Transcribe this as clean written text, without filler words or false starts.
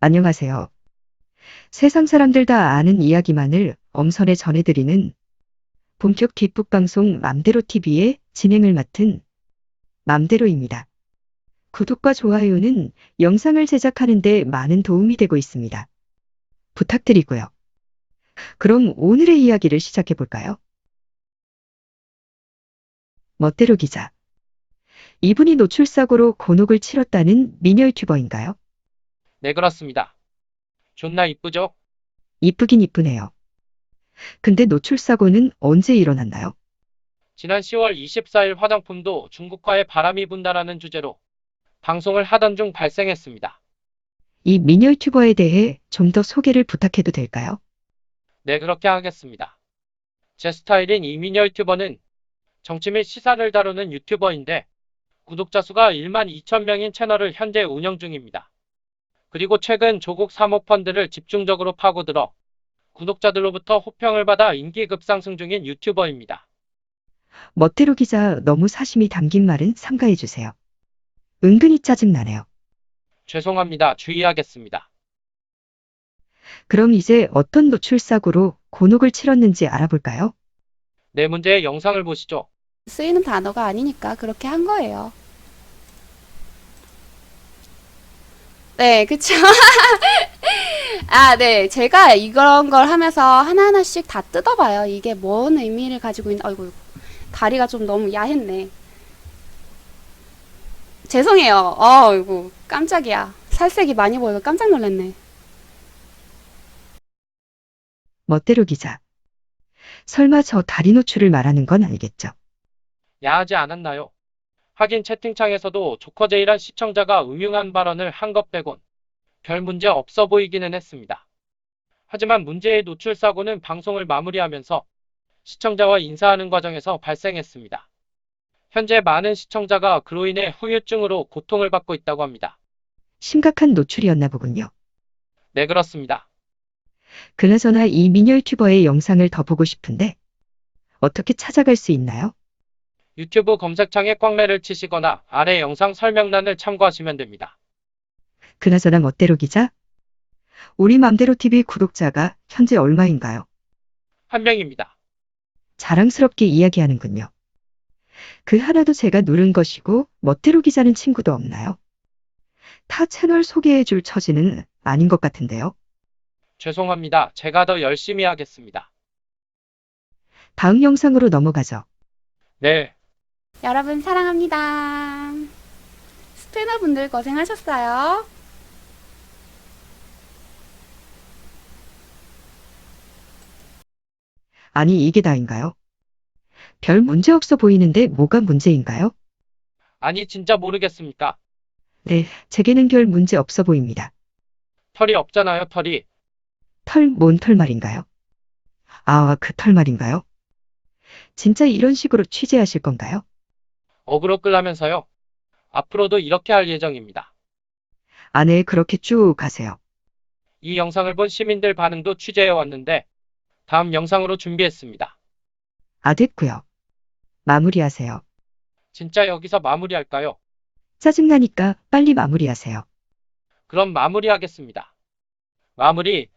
안녕하세요. 세상 사람들 다 아는 이야기만을 엄선해 전해드리는 본격 뒷북 방송 맘대로 TV의 진행을 맡은 맘대로입니다. 구독과 좋아요는 영상을 제작하는 데 많은 도움이 되고 있습니다. 부탁드리고요. 그럼 오늘의 이야기를 시작해 볼까요? 멋대로 기자. 이분이 노출사고로 곤혹을 치렀다는 미녀 유튜버인가요? 네, 그렇습니다. 존나 이쁘죠? 이쁘긴 이쁘네요. 근데 노출사고는 언제 일어났나요? 지난 10월 24일 화장품도 중국과의 바람이 분다라는 주제로 방송을 하던 중 발생했습니다. 이 미녀 유튜버에 대해 좀 더 소개를 부탁해도 될까요? 네, 그렇게 하겠습니다. 제 스타일인 이민여 유튜버는 정치 및 시사를 다루는 유튜버인데 구독자 수가 1만 2천 명인 채널을 현재 운영 중입니다. 그리고 최근 조국 사모펀드를 집중적으로 파고들어 구독자들로부터 호평을 받아 인기 급상승 중인 유튜버입니다. 멋대로 기자 너무 사심이 담긴 말은 삼가해주세요. 은근히 짜증나네요. 죄송합니다. 주의하겠습니다. 그럼 이제 어떤 노출사고로 곤혹을 치렀는지 알아볼까요? 네, 문제의 영상을 보시죠. 쓰이는 단어가 아니니까 그렇게 한 거예요. 네, 그쵸. 아, 네. 제가 이런 걸 하면서 하나하나씩 다 뜯어봐요. 이게 뭔 의미를 가지고 있는, 아이고, 다리가 좀 너무 야했네. 죄송해요. 이거 깜짝이야. 살색이 많이 보여서 깜짝 놀랐네. 멋대로 기자. 설마 저 다리 노출을 말하는 건 아니겠죠? 야하지 않았나요? 하긴 채팅창에서도 조커제이란 시청자가 음흉한 발언을 한 것 빼곤 별 문제 없어 보이기는 했습니다. 하지만 문제의 노출 사고는 방송을 마무리하면서 시청자와 인사하는 과정에서 발생했습니다. 현재 많은 시청자가 그로 인해 후유증으로 고통을 받고 있다고 합니다. 심각한 노출이었나 보군요. 네, 그렇습니다. 그나저나 이 미녀 유튜버의 영상을 더 보고 싶은데 어떻게 찾아갈 수 있나요? 유튜브 검색창에 꽝매를 치시거나 아래 영상 설명란을 참고하시면 됩니다. 그나저나 멋대로 기자? 우리 맘대로 TV 구독자가 현재 얼마인가요? 한 명입니다. 자랑스럽게 이야기하는군요. 그 하나도 제가 누른 것이고 멋대로 기자는 친구도 없나요? 타 채널 소개해줄 처지는 아닌 것 같은데요. 죄송합니다. 제가 더 열심히 하겠습니다. 다음 영상으로 넘어가죠. 네. 여러분, 사랑합니다. 스패너분들 고생하셨어요. 아니 이게 다인가요? 별 문제 없어 보이는데 뭐가 문제인가요? 아니, 진짜 모르겠습니까? 네, 제게는 별 문제 없어 보입니다. 털이 없잖아요, 털이. 털, 뭔 털 말인가요? 아, 그 털 말인가요? 진짜 이런 식으로 취재하실 건가요? 어그로 끌라면서요. 앞으로도 이렇게 할 예정입니다. 아, 네, 그렇게 쭉 가세요. 이 영상을 본 시민들 반응도 취재해 왔는데 다음 영상으로 준비했습니다. 아, 됐고요. 마무리하세요. 진짜 여기서 마무리할까요? 짜증나니까 빨리 마무리하세요. 그럼 마무리하겠습니다. 마무리.